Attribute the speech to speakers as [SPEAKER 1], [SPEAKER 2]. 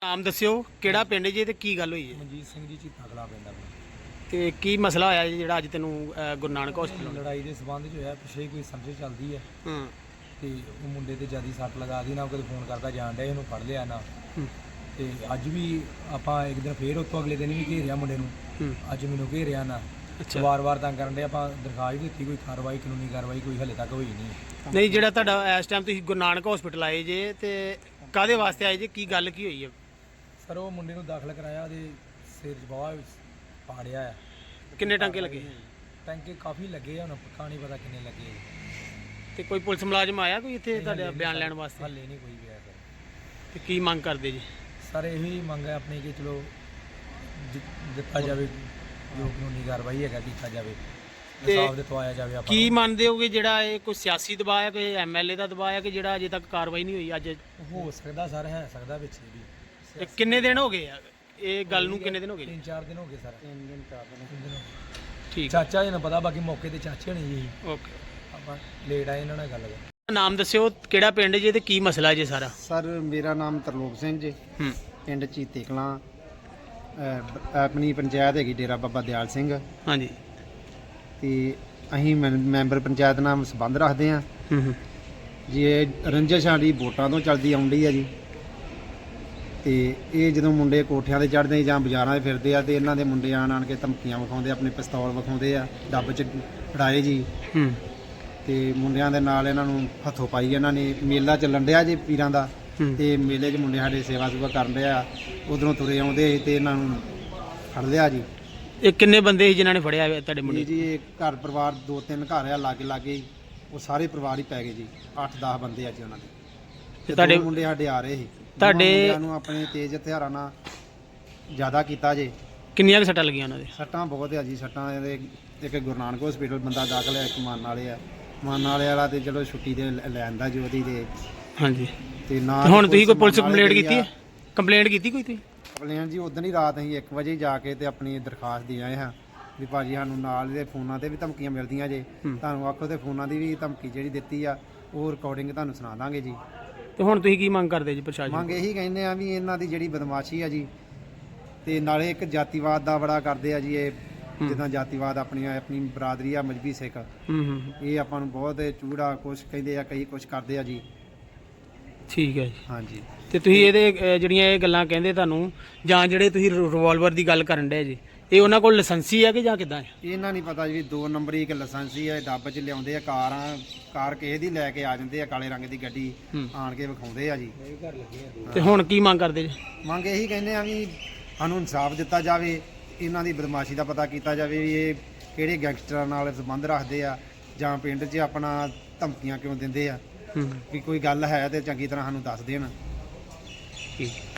[SPEAKER 1] ਨਾਮ ਦੱਸਿਓ ਕਿਹੜਾ ਪਿੰਡ ਜੀ ਤੇ ਕੀ ਗੱਲ ਹੋਈ ਹੈ?
[SPEAKER 2] ਮਨਜੀਤ ਸਿੰਘ ਜੀ ਝੀਤਾ ਕਲਾ ਪਿੰਡ ਆਪਣਾ।
[SPEAKER 1] ਤੇ ਕੀ ਮਸਲਾ ਹੋਇਆ ਜੀ ਜਿਹੜਾ ਅੱਜ ਤੈਨੂੰ ਗੁਰੂ ਨਾਨਕ ਹਸਪੀਟਲ?
[SPEAKER 2] ਲੜਾਈ ਦੇ ਸਬੰਧ 'ਚ ਹੋਇਆ, ਪਿੱਛੇ ਕੋਈ ਸਮਝ ਚੱਲਦੀ ਹੈ
[SPEAKER 1] ਹਾਂ।
[SPEAKER 2] ਤੇ ਉਹ ਮੁੰਡੇ ਤੇ ਜਿਆਦਾ ਸੱਟ ਲਗਾ ਦੀ ਨਾ, ਕਦੇ ਫੋਨ ਕਰਦਾ ਜਾਣ ਡਿਆ, ਇਹਨੂੰ ਫੜ ਲਿਆ ਨਾ। ਤੇ ਅੱਜ ਵੀ ਆਪਾਂ ਇੱਕ ਦਿਨ ਫੇਰ ਉਤੋਂ ਅਗਲੇ ਦਿਨ ਵੀ ਘੇਰਿਆ ਮੁੰਡੇ ਨੂੰ। ਅੱਜ ਮੈਨੂੰ ਘੇਰਿਆ ਨਾ, ਵਾਰ-ਵਾਰ ਤੰਗ ਕਰਨ ਦੇ। ਆਪਾਂ ਦਰਖਾਸਤ ਦਿੱਤੀ, ਕੋਈ ਕਾਰਵਾਈ, ਕਾਨੂੰਨੀ ਕਾਰਵਾਈ ਕੋਈ ਹਲੇ ਤੱਕ ਹੋਈ ਨਹੀਂ।
[SPEAKER 1] ਨਹੀਂ, ਜਿਹੜਾ ਤੁਹਾਡਾ ਇਸ ਟਾਈਮ ਤੁਸੀਂ ਗੁਰੂ ਨਾਨਕ ਹਸਪੀਟਲ ਆਏ ਜੇ ਤੇ ਕਾਹਦੇ ਵਾਸਤੇ ਆਏ ਜੇ, ਕੀ ਗੱਲ ਕੀ ਹੋਈ ਹੈ?
[SPEAKER 2] ਸਰ ਉਹ ਮੁੰਡੇ ਨੂੰ ਦਾਖਲ ਕਰਾਇਆ, ਉਹਦੇ ਸਿਰ 'ਚ ਬਹੁਤ ਪਾੜਿਆ ਆ।
[SPEAKER 1] ਕਿੰਨੇ ਟਾਂਕੇ ਲੱਗੇ?
[SPEAKER 2] ਟਾਂਕੇ ਕਾਫੀ ਲੱਗੇ ਆ, ਹੁਣ ਪੱਕਾ ਨਹੀਂ ਪਤਾ ਕਿੰਨੇ ਲੱਗੇ।
[SPEAKER 1] ਤੇ ਕੋਈ ਪੁਲਿਸ ਮੁਲਾਜ਼ਮ ਆਇਆ ਕੋਈ ਇੱਥੇ ਤੁਹਾਡਾ ਬਿਆਨ ਲੈਣ ਵਾਸਤੇ?
[SPEAKER 2] ਹਾਲੇ ਨਹੀਂ ਕੋਈ ਵੀ ਆਇਆ ਸਰ। ਤੇ
[SPEAKER 1] ਕੀ ਮੰਗ ਕਰਦੇ ਜੀ?
[SPEAKER 2] ਸਰ ਇਹੀ ਮੰਗ ਹੈ ਆਪਣੀ ਕਿ ਚਲੋ ਦਿੱਤਾ ਜਾਵੇ, ਜੋ ਕਾਨੂੰਨੀ ਕਾਰਵਾਈ ਹੈਗਾ ਕੀਤਾ ਜਾਵੇ, ਇਨਸਾਫ ਦਿਵਾਇਆ ਜਾਵੇ। ਆਪਾਂ
[SPEAKER 1] ਕੀ ਮੰਨਦੇ ਹੋਗੇ ਜਿਹੜਾ ਇਹ ਕੋਈ ਸਿਆਸੀ ਦਬਾਅ ਹੈ, ਕੋਈ ਐਮਐਲਏ ਦਾ ਦਬਾਅ ਹੈ ਕਿ ਜਿਹੜਾ ਅਜੇ ਤੱਕ ਕਾਰਵਾਈ ਨਹੀਂ ਹੋਈ? ਅੱਜ
[SPEAKER 2] ਹੋ ਸਕਦਾ ਸਰ, ਹੈ ਸਕਦਾ ਵਿੱਚ ਵੀ।
[SPEAKER 1] ਤੇ ਕਿੰਨੇ ਦਿਨ ਹੋ ਗਏ ਆ ਇਹ ਗੱਲ ਨੂੰ? ਕਿੰਨੇ ਦਿਨ ਹੋ ਗਏ?
[SPEAKER 2] 3-4 ਦਿਨ ਹੋ ਗਏ ਸਰ। 3 ਦਿਨ 4 ਦਿਨ।
[SPEAKER 1] ਠੀਕ।
[SPEAKER 2] ਚਾਚਾ ਜੀ ਨੂੰ ਪਤਾ, ਬਾਕੀ ਮੌਕੇ ਤੇ ਚਾਚੇ ਹੋਣੀ ਜੀ।
[SPEAKER 1] ਓਕੇ,
[SPEAKER 2] ਆਪਾਂ ਲੇਟ ਆਏ ਇਹਨਾਂ ਨਾਲ ਗੱਲ ਕਰ।
[SPEAKER 1] ਨਾਮ ਦੱਸਿਓ ਕਿਹੜਾ ਪਿੰਡ ਜੇ ਤੇ ਕੀ ਮਸਲਾ ਜੇ ਸਾਰਾ?
[SPEAKER 3] ਸਰ ਮੇਰਾ ਨਾਮ ਤਰਲੋਕ ਸਿੰਘ ਜੀ, ਪਿੰਡ ਝੀਤੇ ਕਲਾਂ, ਆਪਣੀ ਪੰਚਾਇਤ ਹੈਗੀ ਡੇਰਾ ਬਾਬਾ ਦਿਆਲ ਸਿੰਘ।
[SPEAKER 1] ਹਾਂਜੀ।
[SPEAKER 3] ਤੇ ਅਸੀਂ ਮੈਂਬਰ ਪੰਚਾਇਤ ਨਾਲ ਸੰਬੰਧ ਰੱਖਦੇ ਹਾਂ ਜੀ। ਇਹ ਰੰਜਿਸ਼ ਸਾਡੀ ਵੋਟਾਂ ਤੋਂ ਚੱਲਦੀ ਆਉਂਦੀ ਹੈ ਜੀ। ਤੇ ਇਹ ਜਦੋਂ ਮੁੰਡੇ ਕੋਠਿਆਂ ਤੇ ਚੜ੍ਹਦੇ ਜਾਂ ਬਾਜ਼ਾਰਾਂ 'ਚ ਫਿਰਦੇ ਆ ਤੇ ਇਹਨਾਂ ਦੇ ਮੁੰਡੇ ਆਣ ਕੇ ਧਮਕੀਆਂ ਵਿਖਾਉਂਦੇ, ਆਪਣੇ ਪਿਸਤੌਲ ਵਿਖਾਉਂਦੇ ਆ, ਡੱਬ 'ਚ ਫੜਾਏ ਜੀ। ਤੇ ਮੁੰਡਿਆਂ ਦੇ ਨਾਲ ਇਹਨਾਂ ਨੂੰ ਹੱਥੋਂ ਪਾਈ। ਇਹਨਾਂ ਨੇ ਮੇਲਾ ਚੱਲਣ ਡਿਆ ਜੀ ਪੀਰਾਂ ਦਾ, ਤੇ ਮੇਲੇ 'ਚ ਮੁੰਡੇ ਸਾਡੇ ਸੇਵਾ ਸੁਵਾ ਕਰਨ ਡਿਆ, ਉਧਰੋਂ ਤੁਰੇ ਆਉਂਦੇ ਤੇ ਇਹਨਾਂ ਨੂੰ ਫੜ ਲਿਆ ਜੀ।
[SPEAKER 1] ਇਹ ਕਿੰਨੇ ਬੰਦੇ ਸੀ ਜਿਨ੍ਹਾਂ ਨੇ ਫੜਿਆ ਤੁਹਾਡੇ ਮੁੰਡੇ?
[SPEAKER 3] ਜੀ ਇਹ ਘਰ ਪਰਿਵਾਰ 2-3 ਘਰ ਆ ਲਾਗੇ, ਉਹ ਸਾਰੇ ਪਰਿਵਾਰ ਹੀ ਪੈ ਗਏ ਜੀ। 8-10 ਬੰਦੇ ਆ ਜੀ ਉਹਨਾਂ ਦੇ। ਤੇ ਤੁਹਾਡੇ ਮੁੰਡੇ ਸਾਡੇ ਆ ਰਹੇ ਸੀ। ਤੁਹਾਡੇ ਮੁੰਡਿਆਂ ਨੂੰ ਆਪਣੇ ਤੇਜ਼ ਹਥਿਆਰਾਂ ਨਾਲ ਜ਼ਿਆਦਾ ਕੀਤਾ ਜੇ।
[SPEAKER 1] ਕਿੰਨੀਆਂ ਕੁ ਸੱਟਾਂ ਲੱਗੀਆਂ ਉਹਨਾਂ ਦੇ?
[SPEAKER 3] ਸੱਟਾਂ ਬਹੁਤ ਆ ਜੀ। ਸੱਟਾਂ ਇਹਦੇ ਇੱਕ ਗੁਰੂ ਨਾਨਕ ਹਸਪੀਟਲ ਬੰਦਾ ਦਾਖਲ ਹੈ, ਇੱਕ ਮਾਨ ਵਾਲੇ ਆ। ਮਾਨ ਵਾਲੇ ਵਾਲਾ ਤੇ ਚਲੋ ਛੁੱਟੀ ਤੇ ਲੈਂਦਾ ਜੀ ਉਹਦੀ। ਤੇ
[SPEAKER 1] ਹਾਂਜੀ।
[SPEAKER 3] ਤੇ ਨਾ
[SPEAKER 1] ਹੁਣ ਤੁਸੀਂ ਕੋਈ ਪੁਲਿਸ ਕੰਪਲੇਂਟ ਕੀਤੀ ਹੈ? ਕੰਪਲੇਂਟ ਕੀਤੀ ਕੋਈ ਤੁਸੀਂ?
[SPEAKER 3] ਕੰਪਲੇਂਟ ਜੀ ਉਦੋਂ ਹੀ ਰਾਤ ਅਸੀਂ 1 ਵਜੇ ਜਾ ਕੇ ਤੇ ਆਪਣੀ ਦਰਖਾਸਤ ਦੇ ਆਏ ਹਾਂ ਵੀ ਭਾਜੀ ਸਾਨੂੰ ਨਾਲ ਦੇ ਫੋਨਾਂ ਤੇ ਵੀ ਧਮਕੀਆਂ ਮਿਲਦੀਆਂ ਜੇ, ਤੁਹਾਨੂੰ ਆਖੋ ਤੇ ਫੋਨਾਂ ਦੀ ਵੀ ਧਮਕੀ ਜਿਹੜੀ ਦਿੱਤੀ ਆ ਉਹ ਰਿਕਾਰਡਿੰਗ ਤੁਹਾਨੂੰ ਸੁਣਾ ਦਾਂਗੇ ਜੀ।
[SPEAKER 1] ਤੇ ਹੁਣ ਤੁਸੀਂ ਕੀ ਮੰਗ ਕਰਦੇ ਜੀ ਪ੍ਰਸ਼ਾਸਨ?
[SPEAKER 3] ਮੰਗ ਇਹੀ ਕਹਿੰਦੇ ਆ ਵੀ ਇਹਨਾਂ ਦੀ ਜਿਹੜੀ ਬਦਮਾਸ਼ੀ ਆ ਜੀ, ਤੇ ਨਾਲੇ ਇੱਕ ਜਾਤੀਵਾਦ ਦਾ ਬੜਾ ਕਰਦੇ ਆ ਜੀ। ਇਹ ਜਿੱਦਾਂ ਜਾਤੀਵਾਦ ਆਪਣੀ ਬਰਾਦਰੀ ਆ ਮਜਬੀ ਸਿੱਖ, ਇਹ ਆਪਾਂ ਨੂੰ ਬਹੁਤ ਚੂੜਾ ਕੁਛ ਕਹਿੰਦੇ ਆ, ਕਈ ਕੁਛ ਕਰਦੇ ਆ ਜੀ।
[SPEAKER 1] ਠੀਕ ਹੈ ਜੀ।
[SPEAKER 3] ਹਾਂਜੀ।
[SPEAKER 1] ਤੇ ਤੁਸੀਂ ਇਹਦੇ ਜਿਹੜੀਆਂ ਇਹ ਗੱਲਾਂ ਕਹਿੰਦੇ ਤੁਹਾਨੂੰ, ਜਾਂ ਜਿਹੜੇ ਤੁਸੀਂ ਰਿਵਾਲਵਰ ਦੀ ਗੱਲ ਕਰਨ ਡਏ ਜੀ, ਇਹ ਉਹਨਾਂ ਕੋਲ ਲਾਇਸੈਂਸੀ ਹੈ ਕਿ ਜਾਂ ਕਿੱਦਾਂ ਹੈ?
[SPEAKER 3] ਇਹਨਾਂ ਨਹੀਂ ਪਤਾ ਜੀ। 2 ਨੰਬਰੀ ਇੱਕ ਲਾਇਸੈਂਸੀ ਹੈ, ਡੱਬ 'ਚ ਲਿਆਉਂਦੇ ਆ। ਕਾਰ ਕਿਸੇ ਦੀ ਲੈ ਕੇ ਆ ਜਾਂਦੇ ਆ, ਕਾਲੇ ਰੰਗ ਦੀ ਗੱਡੀ ਆਣ ਕੇ ਵਿਖਾਉਂਦੇ ਆ ਜੀ।
[SPEAKER 1] ਤੇ ਹੁਣ ਕੀ ਮੰਗ ਕਰਦੇ ਜੀ?
[SPEAKER 3] ਮੰਗ ਇਹੀ ਕਹਿੰਦੇ ਆ ਵੀ ਸਾਨੂੰ ਇਨਸਾਫ ਦਿੱਤਾ ਜਾਵੇ, ਇਹਨਾਂ ਦੀ ਬਦਮਾਸ਼ੀ ਦਾ ਪਤਾ ਕੀਤਾ ਜਾਵੇ ਵੀ ਇਹ ਕਿਹੜੇ ਗੈਂਗਸਟਰਾਂ ਨਾਲ ਸੰਬੰਧ ਰੱਖਦੇ ਆ, ਜਾਂ ਪਿੰਡ 'ਚ ਆਪਣਾ ਧਮਕੀਆਂ ਕਿਉਂ ਦਿੰਦੇ ਆ। ਵੀ ਕੋਈ ਗੱਲ ਹੈ ਤੇ ਚੰਗੀ ਤਰ੍ਹਾਂ ਸਾਨੂੰ ਦੱਸ ਦੇਣ।
[SPEAKER 1] ਠੀਕ।